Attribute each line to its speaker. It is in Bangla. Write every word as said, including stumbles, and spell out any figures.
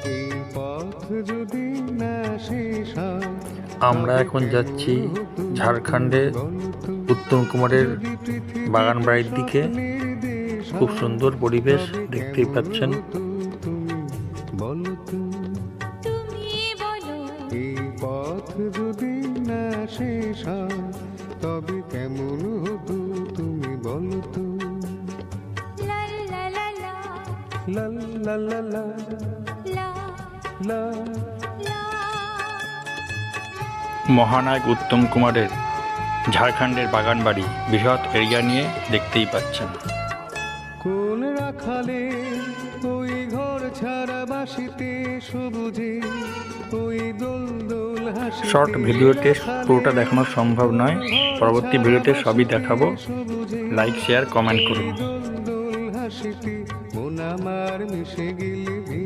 Speaker 1: আমরা এখন যাচ্ছি ঝাড়খণ্ডের উত্তম কুমারের বাগান বাড়ির দিকে। খুব সুন্দর পরিবেশ, দেখতেই পাচ্ছেন।
Speaker 2: এই পথ যদি না শেষ হয় তবে কেমন হতো তুমি বলো তো। লা লা লা লা লা।
Speaker 1: মহানায়ক উত্তম কুমারের ঝাড়খণ্ডের বাগান বাড়ি বৃহৎ এরিয়া নিয়ে, দেখতেই পাচ্ছেন।
Speaker 2: কোন রাখালে ওই ঘর ছাড়া বাসিতে সবুজে ওই দোল দোল হাসি।
Speaker 1: শর্ট ভিডিওতে পুরোটা দেখানো সম্ভব নয়, পরবর্তী ভিডিওতে সবই দেখাবো। লাইক, শেয়ার, কমেন্ট করুন।
Speaker 2: দোল দোল হাসিতে মন আমার মিশে গেলে